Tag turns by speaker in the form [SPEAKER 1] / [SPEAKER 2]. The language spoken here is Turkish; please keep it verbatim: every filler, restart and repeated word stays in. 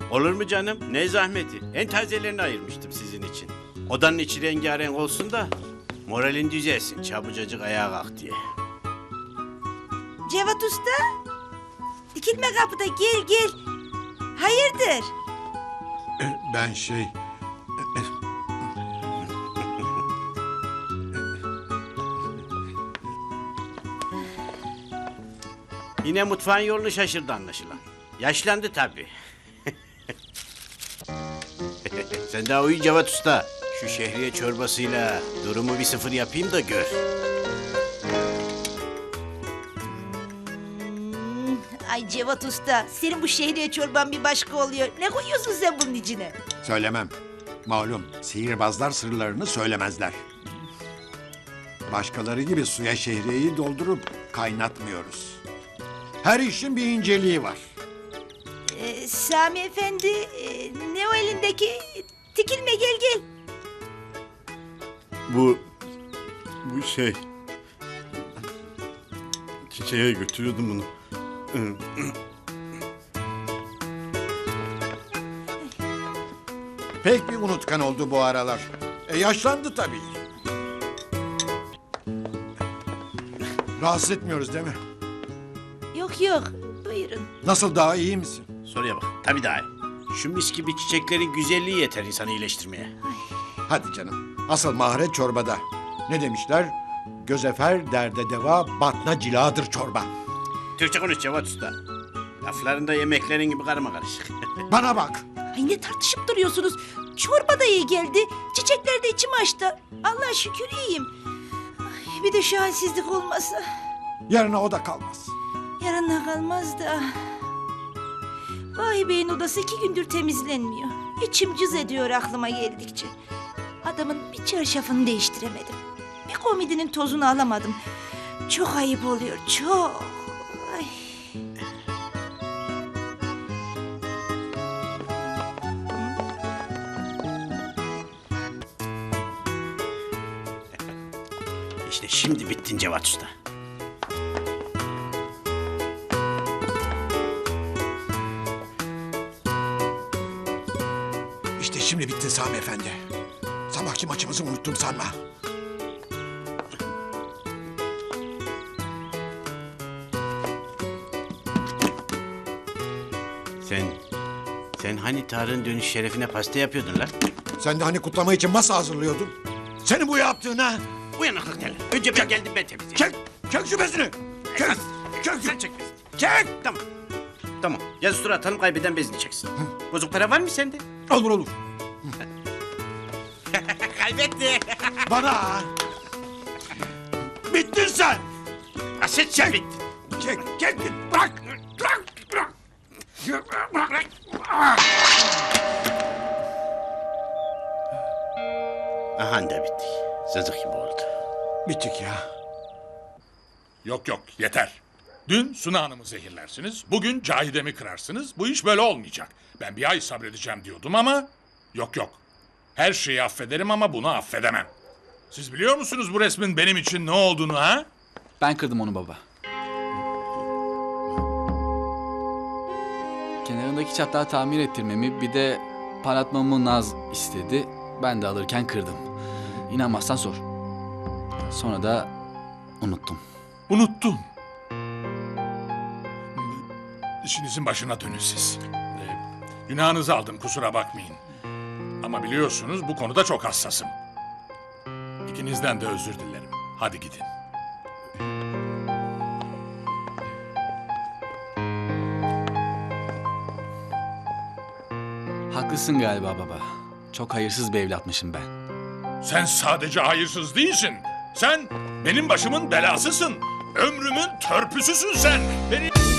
[SPEAKER 1] Olur mu canım? Ne zahmeti? En tazelerini ayırmıştım sizin için. Odanın içi rengarenk olsun da moralin düzelsin. Çabucacık ayağa kalk diye.
[SPEAKER 2] Cevat Usta. Dikilme kapıda, gel gel. Hayırdır?
[SPEAKER 3] Ben şey...
[SPEAKER 1] Yine mutfağın yolunu şaşırdı anlaşılan. Yaşlandı tabii. Sen daha uyu Cevat Usta. Şu şehriye çorbasıyla durumu bir sıfır yapayım da gör.
[SPEAKER 2] Ay Cevat Usta, senin bu şehriye çorban bir başka oluyor. Ne koyuyorsun sen bunun içine?
[SPEAKER 3] Söylemem. Malum sihirbazlar sırlarını söylemezler. Başkaları gibi suya şehriyeyi doldurup kaynatmıyoruz. Her işin bir inceliği var.
[SPEAKER 2] Ee, Sami Efendi, e, ne o elindeki? Tikilme, gel gel.
[SPEAKER 4] Bu... Bu şey... Çiçeğe götürüyordum bunu.
[SPEAKER 3] Pek bir unutkan oldu bu aralar. E yaşlandı tabii. Rahatsız etmiyoruz değil mi?
[SPEAKER 2] Yok yok, buyurun.
[SPEAKER 3] Nasıl, daha iyi misin?
[SPEAKER 1] Soruya bak. Tabii daha iyi. Şu mis gibi çiçeklerin güzelliği yeter insanı iyileştirmeye.
[SPEAKER 3] Hadi canım. Asıl maharet çorbada. Ne demişler? Gözefer derde deva, batna ciladır çorba.
[SPEAKER 1] Türkçe konuş Cevat Usta. Laflarında yemeklerin gibi karma karışık.
[SPEAKER 3] Bana bak.
[SPEAKER 2] Ay ne tartışıp duruyorsunuz? Çorba da iyi geldi. Çiçekler de içim açtı. Allah'a şükür iyiyim. Ay, bir de şu halsizlik olmasa.
[SPEAKER 3] Yarına o da kalmaz.
[SPEAKER 2] Yarına kalmaz da. Vay Bey'in odası iki gündür temizlenmiyor. İçim cız ediyor aklıma geldikçe. Adamın bir çarşafını değiştiremedim. Bir komedinin tozunu alamadım. Çok ayıp oluyor, çok. Ay.
[SPEAKER 1] İşte şimdi bittin Cevat Usta.
[SPEAKER 3] İşte şimdi bittin Sami Efendi. Sabahki maçımızı unuttum sanma.
[SPEAKER 1] Sen... Sen hani Tarık'ın dönüş şerefine pasta yapıyordun lan?
[SPEAKER 3] Sen de hani kutlama için masa hazırlıyordun. Senin bu yaptığına...
[SPEAKER 1] Uyanıklık derler. Önce ben geldim ben temizledim.
[SPEAKER 3] Çek! Çek şu bezini! Çek! Çek!
[SPEAKER 1] Sen çek bezini.
[SPEAKER 3] Çek!
[SPEAKER 1] Tamam. Tamam. Yazı tura atalım kaybeden bezini çeksin. Bozuk para var mı sende?
[SPEAKER 3] Olur olur.
[SPEAKER 1] Kaybetti.
[SPEAKER 3] Bana! Bittin sen!
[SPEAKER 1] Aset çek. Bitti.
[SPEAKER 3] Çek! Çek! Bırak! Bırak! Bırak! Bırak!
[SPEAKER 1] Aha da bitti. Zızık gibi oldu.
[SPEAKER 3] Bittik ya.
[SPEAKER 5] Yok yok yeter. Dün Suna Hanım'ı zehirlersiniz. Bugün Cahide'mi kırarsınız. Bu iş böyle olmayacak. Ben bir ay sabredeceğim diyordum ama... Yok yok. Her şeyi affederim ama bunu affedemem. Siz biliyor musunuz bu resmin benim için ne olduğunu ha?
[SPEAKER 6] Ben kırdım onu baba. Kenarındaki çatlağı tamir ettirmemi bir de parlatmamı Naz istedi. Ben de alırken kırdım. İnanmazsan sor. Sonra da unuttum.
[SPEAKER 5] Unuttun. İşinizin başına dönün siz. Ee, günahınızı aldım kusura bakmayın. Ama biliyorsunuz bu konuda çok hassasım. İkinizden de özür dilerim. Hadi gidin.
[SPEAKER 6] Haklısın galiba baba. Çok hayırsız bir evlatmışım ben.
[SPEAKER 5] Sen sadece hayırsız değilsin. Sen benim başımın belasısın. Ömrümün törpüsüsün sen. Beni...